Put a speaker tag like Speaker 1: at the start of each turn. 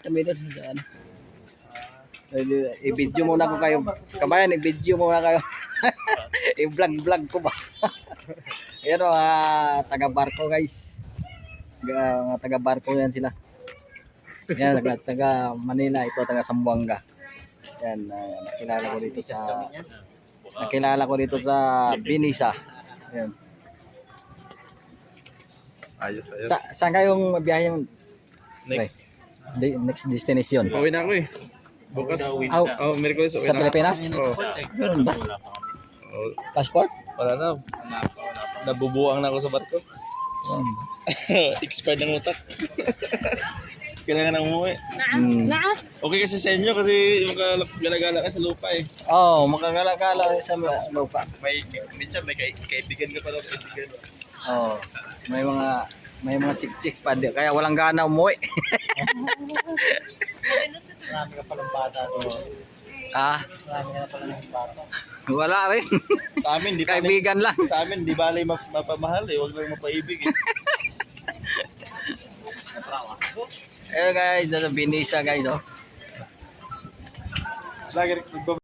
Speaker 1: kami doon sa ano. I-video muna ko kayo. Kabayan, i-video muna kayo. I-vlog ko ba? Ayan o, taga-barko guys. Mga taga-barko yan sila. Yan, taga Manila, ito taga Zamboanga. Yan, nakilala ko dito sa Binisa. Yan.
Speaker 2: Ayos.
Speaker 1: Saan kayong biyahe yung
Speaker 2: Next.
Speaker 1: next destination?
Speaker 2: Pauwi na ako eh. Bukas. Merkulis uwi
Speaker 1: Sa
Speaker 2: na.
Speaker 1: Pilipinas?
Speaker 2: Oo.
Speaker 1: Ganun ba?
Speaker 2: Oh,
Speaker 1: Passport?
Speaker 2: wala na. Nabubuang na ako sa barko. Expired ng utak. Kailangan na umuwi. Okay kasi sa inyo kasi magala-gala ka sa lupa eh.
Speaker 1: Oo, makagala-gala sa lupa.
Speaker 2: Minsan may kaibigan ka pa daw sa kaibigan.
Speaker 1: Oo, may mga chik-chik pa din. Kaya walang gana umuwi.
Speaker 3: Marami ka palang bata doon.
Speaker 1: Marami ka palang bata. Wala rin.
Speaker 2: Sa amin, di
Speaker 1: Kaibigan lang.
Speaker 2: Sa amin, di balay mapamahal eh. Huwag lang mapaibig eh.
Speaker 1: Eh guys, nasa Binisa guys, oh.
Speaker 2: Lagi